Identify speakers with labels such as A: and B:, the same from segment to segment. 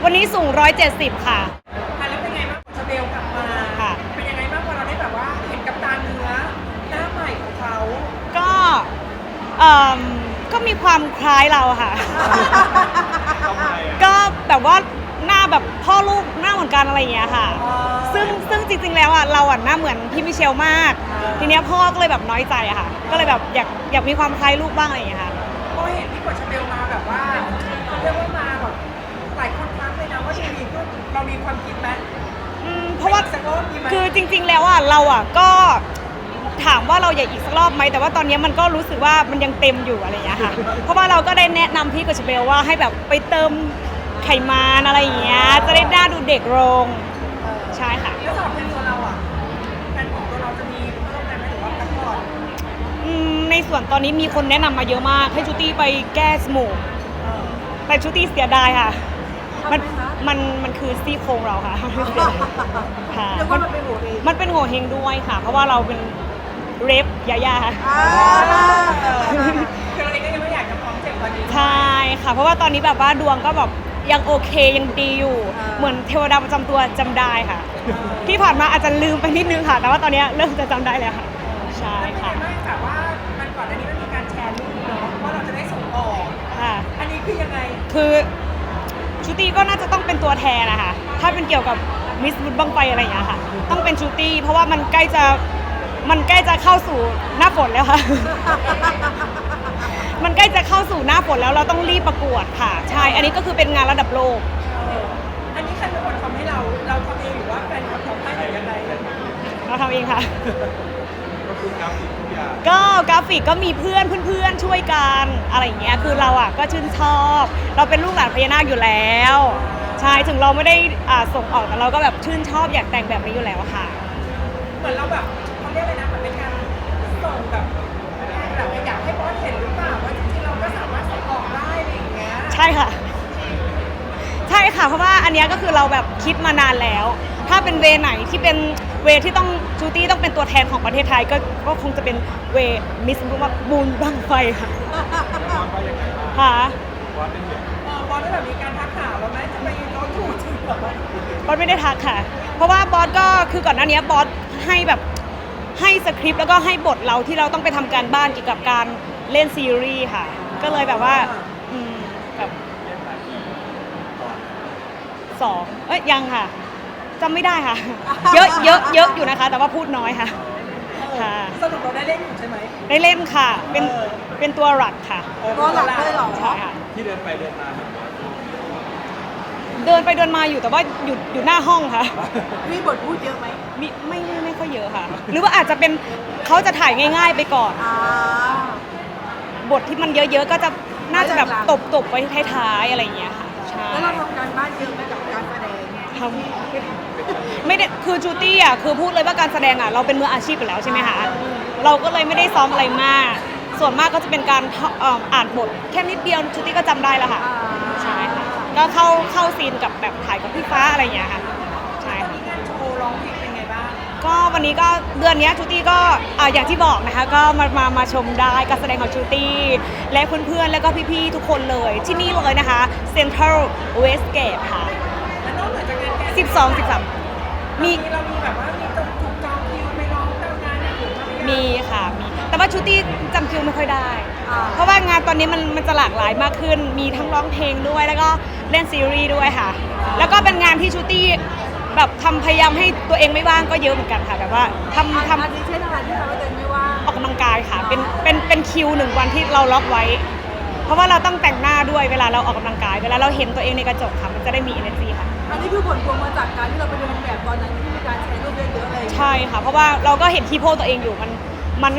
A: วันนี้สูง170ค่ะ
B: แล้วเป็นไงบ้างของชาเบลกลับมา
A: ค่ะ
B: เป็นยังไงบ้างพอเราได้แบบว่าเห็นกับตาเนื้อหน้าใหม่ของเขา
A: ก็เอ่มก็มีความคล้ายเราค่ะ ก็แบบว่าหน้าแบบพ่อลูกหน้าเหมือนกันอะไรอย่างเงี้ยค่ะ ซึ่งจริงๆแล้วอ่ะเราอ่ะหน้าเหมือนพี่มิเชลมาก ทีเนี้ยพ่อก็เลยแบบน้อยใจอะค่ะ ก็เลยแบบอยากมีความคล้ายลูกบ้างอะไรอย่างเงี้ยค่ะ
B: พอเห็นที่กดชาเบลมาแบบว่าเขาเรียกว่ามาแบบหลายคนทักเลยนะว่าจะมีก็เรามีความคิดไหม
A: เพราะว่า
B: สักรอบดีไหม
A: คือจริงๆแล้วอ่ะเราอ่ะก็ถามว่าเราอยากอีกสักรอบไหมแต่ว่าตอนนี้มันก็รู้สึกว่ามันยังเต็มอยู่อะไรอย่างเงี้ยค่ะ เพราะว่าเราก็ได้แนะนำพี่กฤษเบลว่าให้แบบไปเติมไขมันอะไรอย่างเงี้ยจะได้หน้าดูเด็กลงใช่ค่ะ
B: แล้วสำหรับแฟนตัวเราอ่ะแฟนของตัวเราจะมีเพิ่มไหมหรือว่าพักผ่อน
A: ในส่วนตอนนี้มีคนแนะนำมาเยอะมากให้ชูตี้ไปแก้จมูกแต่ชูตี้เสียดายค่ะมันคือซี่โครงเราค่ะค่ะ
C: เรียกว่ามันเป็นหัวเอง
A: มันเป็นโงเฮงด้วยค่ะ เพราะว่าเราเป็นเรฟยาย่าค่ะ
B: คือเราเองก็ยังไม่อยากจะพร้อมเจ็บตอนนี้
A: ใช่ค่ะ เพราะว่าตอนนี้แบบว่าดวงก็แบบยังโอเคยังดีอยู่ เหมือนเทวดาประจำตัวจำได้ค่ะ ที่ผ่านมาอาจจะลืมไปนิดนึงค่ะ แต่ว่าตอนนี้เริ่มจะจำได้แล้วค่ะ ใช่
B: แล้วเป็น
A: ค่ะ
B: ไงบ้างแบบว่ามันก่อนอันนี้มันมีการแชร์รูปเนาะว่าเราจะได้ส่งออก
A: ค่ะ
B: อันนี้คือยังไง
A: คือชูตี้ก็น่าจะต้องเป็นตัวแทนนะคะถ้าเป็นเกี่ยวกับมิสบุญบังไฟอะไรอย่างเงี้ยค่ะ ต้องเป็นชูตี้เพราะว่ามันใกล้จะเข้าสู่หน้าฝนแล้วค่ะ มันใกล้จะเข้าสู่หน้าฝนแล้วเราต้องรีบประกวดค่ะ ใช่ อันนี้ก็คือเป็นงานระดับโลก
B: อันนี้ใครเป็นคนทำให้เราทำเองหรือว่าแฟนคลับทำให้หรือยังไง
A: เราทำเองค่ะ
D: ก็คือกราฟิกทุกอย่าง
A: ก็กราฟิกก็มีเพื่อนช่วยกันอะไรอย่างเงี้ยคือเราอ่ะก็ชื่นชอบ เราเป็นลูกหลานพญานาคอยู่แล้วใช่ถึงเราไม่ได้ส่งออกแต่เราก็แบบชื่นชอบอยากแต่งแบบนี้อยู่แล้วค่ะ
B: เหมือนเราแบบเขาเรียกอะไรนะเหมือนเป็นการส่งแบบอยากให้บอสเห็นหรือเปล่าว่าจริงๆเราก็สามารถส่งออกได้อะไรอย่างเงี้ย
A: ใช่ค่ะใช่ค่ะเพราะว่าอันเนี้ยก็คือเราแบบคิดมานานแล้ว ถ้าเป็นเวไหนที่เป็นเวที่ต้องจูตี้ต้องเป็นตัวแทนของประเทศไทยก็คงจะเป็นเวมิสบูนบังไฟค่ะ
D: แล้วบอสว่ายังไงบ้าง
A: ค่ะ
D: บอสเป็นแบบ
B: บอสได้แบบมีการทักหาเราไหมจะไปร้องถูกจริงเหรอบ
A: อสไม่ได้ทักค่ะ เพราะว่าบอสก็คือก่อนหน้านี้บอสให้แบบให้สคริปต์แล้วก็ให้บทเราที่เราต้องไปทำการบ้านเกี่ยวกับการเล่นซีรีส์ค่ะ ก็เลยแบบว่าแบบ
D: เล่นหลายปีก่อน
A: 2ยังค่ะจำไม่ได้ค่ะ เยอะอยู่นะคะ แต่ว่าพูดน้อยค่ะค่ะ
B: สรุปเราได้เล่นอยู่ใช่ไหม
A: ได้เล่นค่ะเป็นตัวหลักค่ะ
C: ตัวหลักเลยเหรอ
A: ใช่ค่ะ
D: ที่เดินไปเดินมาเนี่ยบอส
A: เดินไปเดินมาอยู่แต่ว่าอยู่หน้าห้องค่ะ
C: มีบทพูดเยอะไหม
A: มีไม่ค่อยเยอะค่ะ หรือว่าอาจจะเป็นเขาจะถ่ายง่าย ๆ ไปก่อน
C: อ่า
A: บทที่มันเยอะๆ ก็จะน่าจะแบบตบไว้ท้ายๆอะไรอย่างเงี้ยค่ะใช่
C: แล้วเราทำการบ้านเยอะไหมกับการแสดง
A: ทำไม่ได้คือจูตี้อ่ะคือพูดเลยว่าการแสดงอ่ะเราเป็นมืออาชีพอยู่แล้วใช่ไหมคะเราก็เลยไม่ได้ซ้อมอะไรมาก ส่วนมากก็จะเป็นการอ่านบทแค่นิดเดียวจูตี้ก็จำได้แล้วค่ะ ใช่ค่ะก็เข้าซีนกับแบบถ่ายกับพี่ฟ้าอะไรอย่างเงี้ยค่ะใช่
B: ตอน
A: ค่ะ
B: นี้งานโชว์ร้องเพลงเป็นไงบ้าง
A: ก็วันนี้ก็เดือนนี้จูตี้ก็อย่างที่บอกนะคะก็มาชมได้การแสดงของจูตี้และเพื่อนๆแล้วก็พี่ๆทุกคนเลยที่นี่เลยนะคะ Central Westgate ค่ะ
B: แล้วนอกเหนือจากงานแก
A: 12 13 มี
B: เรามีแบบว่ามีถูกจองคิวไปร้องตามงานอย่างอื่นบ้างไหม
A: มีค่ะมีแต่ว่าจูตี้จำคิวไม่ค่อยได้
C: อ่า
A: เพราะว่างานตอนนี้มันจะหลากหลายมากขึ้น มีทั้งร้องเพลงด้วยแล้วก็เล่นซีรีส์ด้วยค่ะ แล้วก็เป็นงานที่จูตี้แบบพยายามให้ตัวเองไม่ว่างก็เยอะเหมือนกันค่ะแบบว่าทำ
C: อันนี้เช่นอะไรที่ทำให้ตัวเองไม่ว่าง
A: ออกกำลังกายค่ะเป็นคิว1 วันที่เราล็อกไว้ เพราะว่าเราต้องแต่งหน้าด้วยเวลาเราออกกำลังกาย เวลาเราเห็นตัวเองในกระจกค่ะมันจะได้มี energy ค่ะ
C: อันนี้คือผลพวงมาจากการที่เราไปเดินแบบตอนนั้นที่มีการแชร์รูปเยอะๆอะไรอย่างเงี้ย
A: ใช่ค่ะ เพราะว่าเราก็เห็นคีโพสตัวเองอยู่มัน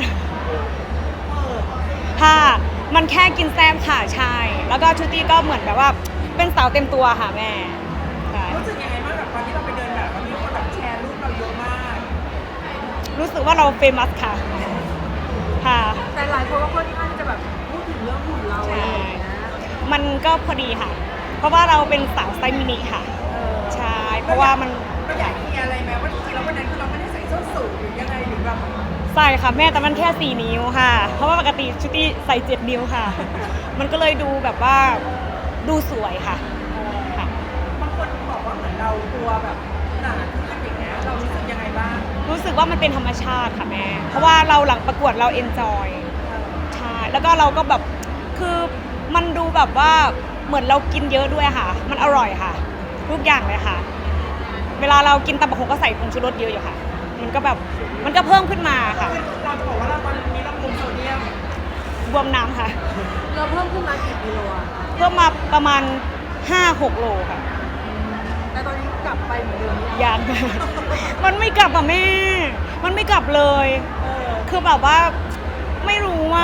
A: ค่ะมันแค่กินแซมค่ะใช่ แล้วก็ชูตี้ก็เหมือนแบบว่าเป็นสาวเต็มตัวค่ะแม่ใช่
B: รู้สึกยังไงบ้างกับตอนที่เราไปเดินแบบมีคนแบบแชร์รูปเราเยอะมาก
A: รู้สึกว่าเราเฟมัสค่ะค่ะ
C: แต่หลายคนก็ค่อนข้างจะแบบพูดถึงเรื่องหุ่นเราอะไรอย่างเงี้ย
A: มันก็พอดีค่ะ เพราะว่าเราเป็นสาวไซส์มินิค่ะใช่เพราะว่ามัน
B: เราอยากเคลียร์อะไรไหมว่าจริงๆแล้ววันนั้นคือเราไม่ได้ใส่ส้นสูงหรือยังไงหรือแบบ
A: ใส่ค่ะแม่แต่มันแค่4 นิ้วค่ะ เพราะว่าปกติชุตี้ใส่7 นิ้วค่ะ มันก็เลยดูแบบว่าดูสวยค่ะค่ะ
B: บางคนเหมือนเราตัวแบบหนาขึ้นอย่างเงี้ยเรารู้สึกยังไงบ้าง
A: รู้สึกว่ามันเป็นธรรมชาติค่ะแม่ เพราะว่าเราหลังประกวดเราเอนจอยใช่แล้วก็เราก็แบบคือมันดูแบบว่าเหมือนเรากินเยอะด้วยค่ะ มันอร่อยค่ะ ทุกอย่างเลยค่ะ เวลาเรากินตำบักหุ่งก็ใส่ผงชูรสเยอะอยู่ค่ะ มันก็แบบมันก็เพิ่มขึ้นมาค่ะ
B: คือเราจะบอกว่าเราตอนนี้เราคุมโซเดียม
A: บวมน้ำค่ะ
C: เราเพิ่มขึ้นมากี่กิโลอะ
A: เพิ่มมาประมาณ 5-6 โลค่ะ
C: แต่ตอนนี้กลับไปเหมือนเดิมหรือยัง
A: ยัง มันไม่กลับอ่ะแม่ มันไม่กลับเลย คือแบบว่าไม่รู้ว่า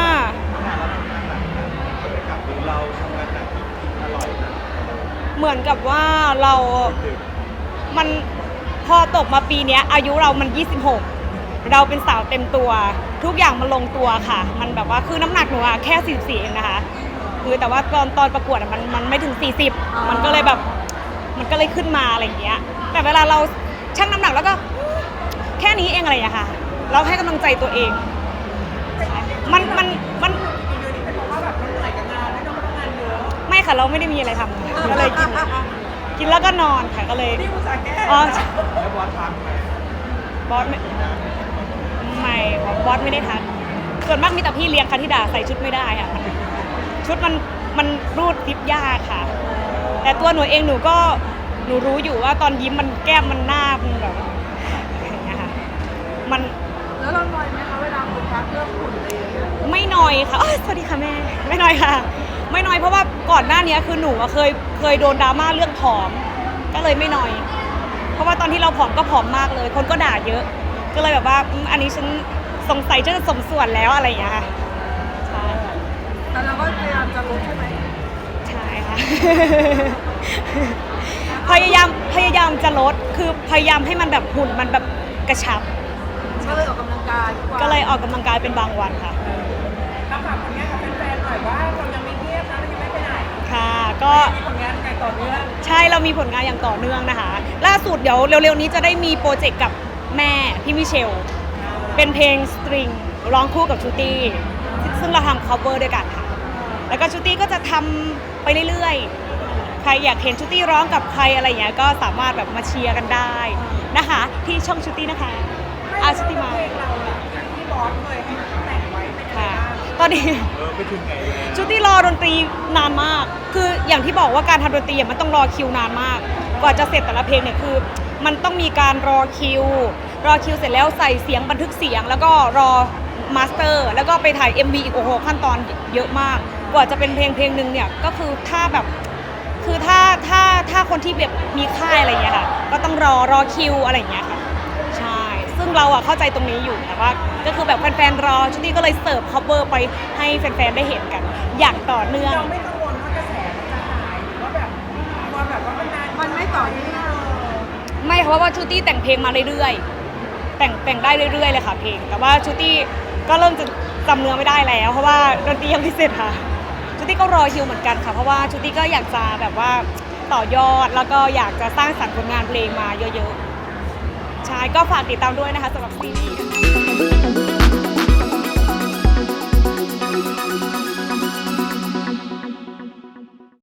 D: กับหรือเราทำงานหนักกินอร่อยนะ
A: เหมือนกับว่าเรา มันพอตกมาปีเนี้ยอายุเรามัน 26 เราเป็นสาวเต็มตัว ทุกอย่างมันลงตัวค่ะ มันแบบว่าคือน้ำหนักหนูอะแค่44เองนะคะ คือแต่ว่าตอนประกวดอะมันไม่ถึง 40 มันก็เลยแบบมันก็เลยขึ้นมาอะไรอย่างเงี้ย แต่เวลาเราชั่งน้ำหนักแล้วก็แค่นี้เองอะไรอย่างเงี้ยค่ะ เราให้กำลังใจตัวเอง มัน
B: กินเยอะนี่เป็นเพราะว่าแบบเราเหนื่อยกับงานไม่ต้องทำงานเยอะ
A: ไม่ค่ะเราไม่ได้มีอะไรทำก็เลยกินแล้วก็นอนค่ะก็เลย
B: นี่อุตส่าห์แก้
A: อ๋อ
D: แล้วบอสทักไหม
A: บอสไม่บอสไม่ได้ทักส่วนมากมีแต่พี่เลี้ยงค่ะที่ด่าใส่ชุดไม่ได้ค่ะชุดมันรูดซิปยากค่ะ แต่ตัวหนูเองหนูรู้อยู่ว่าตอนยิ้มมันแก้มมันหน้ามันแบบอย่างเงี้ยค่ะมัน
C: แล้วเราหน่อยไหมคะเวลาคนทักเรื่องหุ่นอะไรอย่างเงี้ย
A: ไม่น้อยค่ะสวัสดีค่ะแม่ไม่น้อยค่ะ ไม่น้อยเพราะว่าก่อนหน้านี้คือหนูอะเคยโดนดราม่าเรื่องผอมก็เลยไม่น้อย เพราะว่าตอนที่เราผอมก็ผอมมากเลย คนก็ด่าเยอะ ก็เลยแบบว่าอันนี้ฉันสงสัยจะสมส่วนแล้วอะไรอย่างเงี้ยค่ะใช่
C: แต่เราก็พยายามจะลดใช่ไหม
A: ใช่ค่ะ พยายามจะลดคือพยายามให้มันแบบหุ่นมันแบบกระชับ
C: ก็เลยออกกำลังกายทุวัน
A: ก็เลยออกกำลังกายเป็นบางวันค่ะ
B: เราฝากผลงานกับแฟนๆหน่อยว่าเรายังไม่เงียบนะเรายังไม่ไปไหน
A: ค่ะ ก็
B: มีผลงานต่อเนื่อง
A: ใช่เรามีผลงานอย่างต่อเนื่องนะคะ ล่าสุดเดี๋ยวเร็วๆนี้จะได้มีโปรเจกต์กับแม่พี่มิเชล เป็นเพลงสตริงร้องคู่กับชูตี้ซึ่งเราทำ cover ด้วยกันค่ะ แล้วก็ชูตี้ก็จะทำไปเรื่อยๆ ใครอยากเห็นชูตี้ร้องกับใครอะไรอย่างเงี้ยก็สามารถแบบมาเชียร์กันได้นะคะ ที่ช่องชูตี้นะคะชูตี้มา
B: เพลงเราอะที่บอสเคยให้แต่งไว้เป็นยังไง
A: ค่ะ
B: บ้าง
A: ตอนนี้
D: ไปถึงไหนแล้ว
A: ชุดที่รอดนตรีนานมาก คืออย่างที่บอกว่าการทำดนตรีมันต้องรอคิวนานมาก กว่าจะเสร็จแต่ละเพลงเนี่ยคือ มันต้องมีการรอคิวเสร็จแล้วใส่เสียงบันทึกเสียง แล้วก็รอมาสเตอร์ แล้วก็ไปถ่าย MV อีกโอ้โหขั้นตอนเยอะมาก กว่าจะเป็นเพลงหนึ่งเนี่ยก็คือถ้าแบบคือถ้าคนที่แบบมีค่ายอะไรอย่างเงี้ยค่ะก็ต้องรอคิวอะไรอย่างเงี้ยค่ะใช่ซึ่งเราอะเข้าใจตรงนี้อยู่แต่ว่าก็คือแบบแฟนๆรอชุดนี้ก็เลยเสิร์ฟ cover ไปให้แฟนๆได้เห็นกัน อย่างต่อเนื่อง
B: เราไม่กังวลว่ากระแสมันจะหายหรือว่าแบบกลัวแบบว่ามันนาน
C: มันไม่ต่อเนื่อง
A: ไม่เพราะว่าชูตี้แต่งเพลงมาเรื่อยๆแต่งได้เรื่อยๆเลยค่ะเพลง แต่ว่าชูตี้ก็เริ่มจะจำเนื้อไม่ได้แล้ว เพราะว่าดนตรียังไม่เสร็จค่ะชูตี้ก็รอคิวเหมือนกันค่ะเพราะว่าชูตี้ก็อยากจะแบบว่าต่อยอดแล้วก็อยากจะสร้างสรรค์ผลงานเพลงมาเยอะๆใช่ก็ฝากติดตามด้วยนะคะสำหรับซีรีส์